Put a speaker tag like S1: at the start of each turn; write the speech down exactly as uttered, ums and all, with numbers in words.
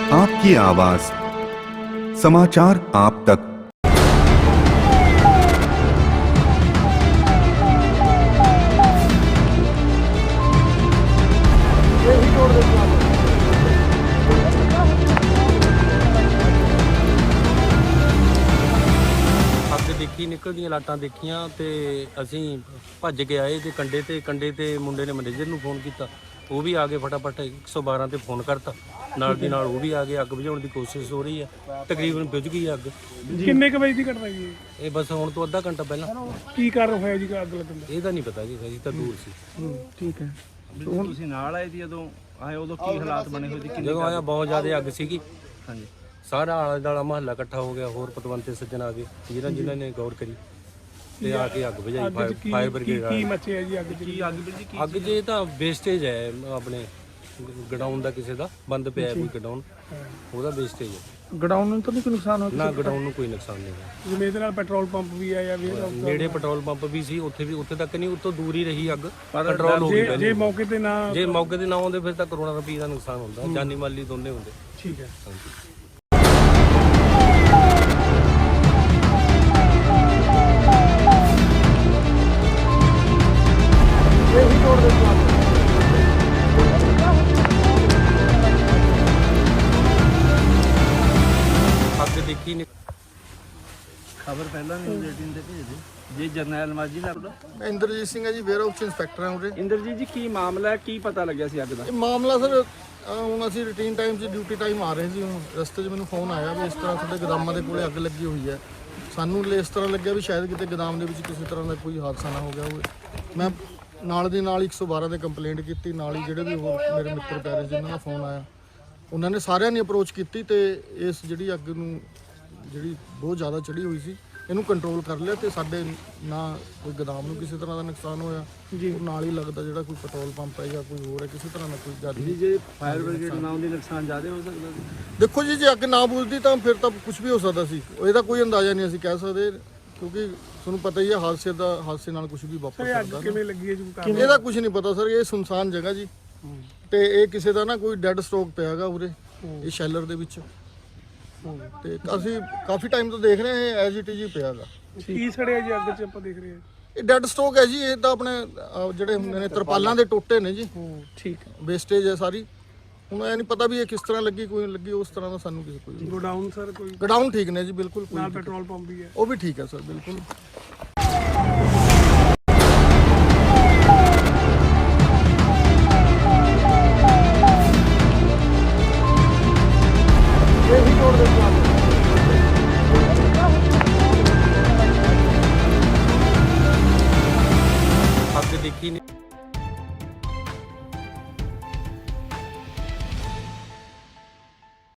S1: आपकी आवाज, समाचार आप तक।
S2: देखी निकलदियां लाटां देखियां ते असीं भज के आए ते कंडे ते कंडे ते मुंडे ने मैनेजर नूं फोन कीता, वो भी आ गए फटाफट एक सौ बारह ते फोन करता, नाल दी नाल वो भी आ गए। अग बुझाउण दी कोशिश हो रही है, तकरीबन बुझ गई अग।
S3: किन्ने क वजे दी घटना जी
S2: ये बस हुण तो अद्धा घंटा पहला।
S3: की कारण होया जी अग लगन दा?
S2: ਇਹਦਾ ਨਹੀਂ ਪਤਾ ਜੀ, ਅਸੀਂ ਤਾਂ ਦੂਰ ਸੀ।
S3: ठीक है।
S4: ਹੁਣ ਤੁਸੀਂ ਨਾਲ ਆਏ ਸੀ ਜਦੋਂ ਆਏ ਉਦੋਂ ਕੀ ਹਾਲਾਤ ਬਣੇ ਹੋਏ ਸੀ? ਕਿੰਨੀ
S2: ਜਦੋਂ ਆਇਆ ਬਹੁਤ ਜ਼ਿਆਦਾ ਅੱਗ ਸੀਗੀ,
S4: ਹਾਂਜੀ
S2: ਸਾਰਾ ਆਲਾ ਦਾਲਾ ਮਹੱਲਾ ਇਕੱਠਾ ਹੋ ਗਿਆ, ਹੋਰ ਪਤਵੰਤੇ ਸੱਜਣ ਆ ਗਏ ਜਿਨ੍ਹਾਂ ਜਿਨ੍ਹਾਂ ਨੇ ਗੌਰ ਕਰੀ ਤੇ ਆ ਕੇ ਅੱਗ ਬੁਝਾਈ। ਫਾਇਰ ਫਾਇਰ ਬ੍ਰਿਗੇਡ
S3: ਕੀ ਮੱਚਿਆ ਜੀ ਅੱਗ
S4: ਕੀ ਅੱਗ ਵੀਰ ਜੀ ਕੀ
S2: ਅੱਗ ਜੇ ਤਾਂ ਵੇਸਟੇਜ ਹੈ ਆਪਣੇ ਗਡਾਊਨ ਦਾ, ਕਿਸੇ ਦਾ ਬੰਦ ਪਿਆ ਕੋਈ ਗਡਾਊਨ, ਉਹਦਾ ਵੇਸਟੇਜ ਹੈ।
S3: ਗਡਾਊਨ ਨੂੰ ਤਾਂ ਨਹੀਂ ਕੋਈ ਨੁਕਸਾਨ ਹੋਇਆ?
S2: ਨਾ ਗਡਾਊਨ ਨੂੰ ਕੋਈ ਨੁਕਸਾਨ ਨਹੀਂ ਹੋਇਆ।
S3: ਜਿਵੇਂ ਇਹਦੇ ਨਾਲ ਪੈਟਰੋਲ ਪੰਪ ਵੀ ਆ ਜਾਂ ਫਿਰ
S2: ਨੇੜੇ ਪੈਟਰੋਲ ਪੰਪ ਵੀ ਸੀ, ਉੱਥੇ ਵੀ ਉੱਥੇ ਤੱਕ ਨਹੀਂ, ਉੱਤੋਂ ਦੂਰ ਹੀ ਰਹੀ ਅੱਗ, ਕੰਟਰੋਲ ਹੋ ਗਈ
S3: ਜੇ ਜੇ
S2: ਪਹਿਲੇ।
S3: ਮੌਕੇ ਤੇ ਨਾ
S2: ਜੇ ਮੌਕੇ ਤੇ ਨਾ ਆਉਂਦੇ ਫਿਰ ਤਾਂ ਕਰੋੜਾਂ ਰੁਪਏ ਦਾ ਨੁਕਸਾਨ ਹੁੰਦਾ, ਜਾਨੀ ਮਾਲੀ ਦੋਨੇ ਹੁੰਦੇ।
S3: ਠੀਕ ਹੈ।
S2: ਹਾਂਜੀ। ਅੱਗ ਦੇਖੀ ਨਹੀਂ,
S4: ਖਬਰ ਪਹਿਲਾਂ ਨਿਊਜ਼ ਏਟੀਨ ਤੇ ਭੇਜ ਦਿਓ ਜੀ। ਜਰਨੈਲ ਮਾਜੀ ਦਾ
S5: ਇੰਦਰਜੀਤ ਸਿੰਘ ਹੈ ਜੀ, ਵੇਅਰ ਹਾਊਸ ਇੰਸਪੈਕਟਰ ਹਾਂ ਉਰੇ।
S4: ਇੰਦਰਜੀਤ ਜੀ ਕੀ ਮਾਮਲਾ ਹੈ, ਕੀ ਪਤਾ ਲੱਗਿਆ ਸੀ ਅੱਗ ਦਾ?
S5: ਇਹ ਮਾਮਲਾ ਸਰ ਅਹ ਹੁਣ ਅਸੀਂ ਰੂਟੀਨ ਟਾਈਮ 'ਚ ਡਿਊਟੀ ਟਾਈਮ ਆ ਰਹੇ ਸੀ, ਹੁਣ ਰਸਤੇ 'ਚ ਮੈਨੂੰ ਫੋਨ ਆਇਆ ਵੀ ਇਸ ਤਰ੍ਹਾਂ ਤੁਹਾਡੇ ਗੋਦਾਮਾਂ ਦੇ ਕੋਲੇ ਅੱਗ ਲੱਗੀ ਹੋਈ ਹੈ। ਸਾਨੂੰ ਇਸ ਤਰ੍ਹਾਂ ਲੱਗਿਆ ਵੀ ਸ਼ਾਇਦ ਕਿਤੇ ਗੋਦਾਮ ਦੇ ਵਿੱਚ ਕਿਸੇ ਤਰ੍ਹਾਂ ਦਾ ਕੋਈ ਹਾਦਸਾ ਨਾ ਹੋ ਗਿਆ ਹੋਵੇ। ਮੈਂ ਨਾਲ ਦੀ ਨਾਲ ਇੱਕ ਸੌ ਬਾਰ੍ਹਾਂ ਤੇ ਕੰਪਲੇਂਟ ਕੀਤੀ, ਨਾਲ ਹੀ ਜਿਹੜੇ ਵੀ ਹੋਰ ਮੇਰੇ ਮਿੱਤਰ ਪਿਆਰੇ ਜਿਨ੍ਹਾਂ ਦਾ ਫੋਨ ਆਇਆ ਉਹਨਾਂ ਨੇ ਸਾਰਿਆਂ ਨੇ ਅਪਰੋਚ ਕੀਤੀ ਤੇ ਇਸ ਜਿਹੜੀ ਅੱਗ ਨੂੰ ਜਿਹੜੀ ਬਹੁਤ ਜ਼ਿਆਦਾ ਚੜੀ ਹੋਈ ਸੀ ਇਹਨੂੰ ਕੰਟਰੋਲ ਕਰ ਲਿਆ ਤੇ ਸਾਡੇ ਨਾ ਕੋਈ ਗੋਦਾਮ ਨੂੰ ਕਿਸੇ ਤਰ੍ਹਾਂ ਦਾ ਨੁਕਸਾਨ ਹੋਇਆ ਜੀ। ਨਾਲ ਹੀ ਲੱਗਦਾ ਜਿਹੜਾ ਕੋਈ ਪੈਟਰੋਲ ਪੰਪ ਹੈ ਜਾਂ ਕੋਈ ਹੋਰ ਹੈ ਕਿਸੇ ਤਰ੍ਹਾਂ ਦਾ ਕੋਈ ਜ਼ਿਆਦਾ
S4: ਜੀ ਜੇ ਫਾਇਰ ਬ੍ਰਿਗੇਡ ਨਾ ਆਉਂਦੀ ਨੁਕਸਾਨ ਜ਼ਿਆਦਾ ਹੋ ਸਕਦਾ ਸੀ?
S5: ਦੇਖੋ ਜੀ, ਜੇ ਅੱਗ ਨਾ ਬੁਝਦੀ ਤਾਂ ਫਿਰ ਤਾਂ ਕੁਝ ਵੀ ਹੋ ਸਕਦਾ ਸੀ, ਇਹਦਾ ਕੋਈ ਅੰਦਾਜ਼ਾ ਨਹੀਂ ਅਸੀਂ ਕਹਿ ਸਕਦੇ ਕਿਉਂਕਿ ਤੁਹਾਨੂੰ ਪਤਾ ਹੀ ਹੈ ਹਾਦਸੇ ਦਾ ਹਾਦਸੇ ਨਾਲ ਕੁਝ ਵੀ ਵਾਪਰ
S3: ਅੱਗ
S5: ਸਕਦਾ।
S3: ਕਿਵੇਂ ਲੱਗੀ ਹੈ ਜੀ? ਕੋਈ
S5: ਇਹਦਾ ਕੁਝ ਨਹੀਂ ਪਤਾ ਸਰ, ਇਹ ਸੁਨਸਾਨ ਜਗ੍ਹਾ ਜੀ ਤੇ ਇਹ ਕਿਸੇ ਦਾ ਨਾ ਕੋਈ ਡੈੱਡ ਸਟਾਕ ਪਿਆਗਾ ਉਰੇ ਇਹ ਸ਼ੈਲਰ ਦੇ ਵਿੱਚ ਤੇ ਅਸੀਂ ਕਾਫੀ ਟਾਈਮ ਤੋਂ ਦੇਖ ਰਹੇ ਹਾਂ ਐਜ ਇਟ ਇਜ਼ ਹੀ ਪਿਆਗਾ।
S3: ਕੀ ਸੜਿਆ ਜੀ ਅੱਗ 'ਚ ਆਪਾਂ ਦੇਖ ਰਹੇ ਹਾਂ?
S5: ਇਹ ਡੈੱਡ ਸਟਾਕ ਹੈ ਜੀ, ਇਹ ਤਾਂ ਆਪਣੇ ਅਹ, ਜਿਹੜੇ ਹੁੰਦੇ ਨੇ ਤਰਪਾਲਾਂ ਦੇ ਟੋਟੇ ਨੇ ਜੀ,
S3: ਠੀਕ ਹੈ।
S5: ਵੇਸਟੇਜ ਹੈ ਸਾਰੀ। ਹੁਣ ਇਹ ਨਹੀਂ ਪਤਾ ਵੀ ਇਹ ਕਿਸ ਤਰ੍ਹਾਂ ਲੱਗੀ, ਕੋਈ ਲੱਗੀ ਉਸ ਤਰ੍ਹਾਂ ਦਾ ਸਾਨੂੰ ਕਿਸੇ ਕੋਈ।
S3: ਗੋਡਾਊਨ ਸਰ ਕੋਈ
S5: ਗਡਾਊਨ ਠੀਕ ਨੇ ਜੀ, ਬਿਲਕੁਲ ਕੋਈ
S3: ਨਾਲ ਪੈਟਰੋਲ ਪੰਪ ਵੀ ਹੈ?
S5: ਉਹ ਵੀ ਠੀਕ ਹੈ ਸਰ, ਬਿਲਕੁਲ।